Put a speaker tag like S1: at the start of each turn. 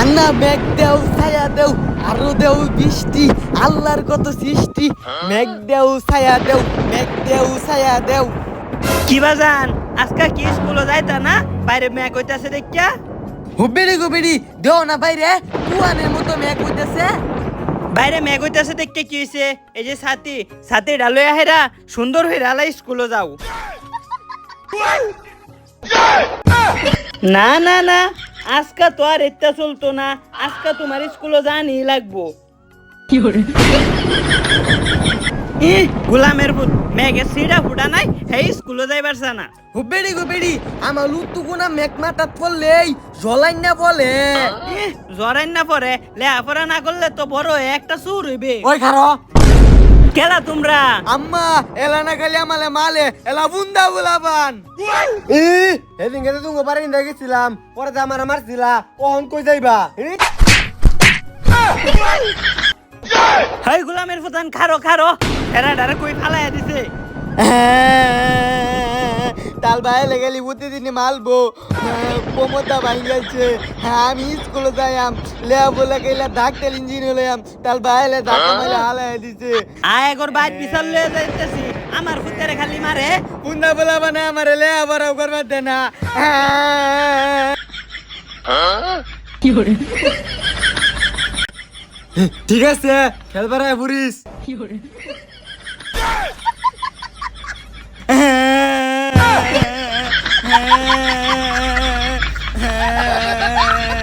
S1: আন্না মেঘ দেও ছায়া দেও আরো দেও বৃষ্টি আল্লাহর কত সৃষ্টি মেঘ দেও ছায়া দেও মেঘ দেও ছায়া দেও।
S2: কি বাজান আজকা কি স্কুলে যাইতা না বাইরে মেঘ হইতাছে দেখিয়া?
S1: হুবেড়ি গুবেড়ি দেও না বাইরে কুয়ানের মতো মেঘ হইতেছে।
S2: বাইরে মেঘ হইতাছে দেখতে কি হইছে? এই যে ছাতি ডালয়া হেরা সুন্দর হইরা লাই স্কুলে যাও। না না না আজকা তো আর এটা চলতো না, আজকা তোমার স্কুলে জানি লাগবো। গোলামের ভূত মেঘে সিডা ফুটা নাই হেই স্কুলে যাইবার না।
S1: হুবেড়ি গুবেড়ি আমার লুতু গুনা মেঘ মাথাত পড়লেই জলাই না বলে।
S2: জরাইন না পরে লেহাপড়া না করলে তো বড় হয়ে একটা সুর হইবে।
S1: ওই খারো
S2: কেলা তোমরা
S1: আম্মা এলা না খালি আমালে মালে এলা বুন্দা বুলাবান। এদিন গেছে তুমি বাড়ি গেছিলাম পরে যে আমার মারছিলা ওহন কই যাইবা?
S2: হাই গোলামের ফুতান খারো খারো এরা ডারে কই ফালাইয়া দিছে।
S1: তাল ভাই লেগেলি প্রতিদিনই মালবো কোমরটা ভাঙ গেছে। আমি স্কুলে যাইয়াম লেয়া বলে গেলে ডাক্তার ইঞ্জিনিয়ার হইয়াম তাল ভাই লে ধাক্কা মাইলে হালাই দিছে।
S2: আয় একর বাইট বিছাল লয়ে যাইতেছি আমার ফুতেরে খালি মারে।
S1: বুন্দা বলা বানা আমার লেয়া বড় করবার দে না। ঠিক আছে খেলবার আয় পুরিস।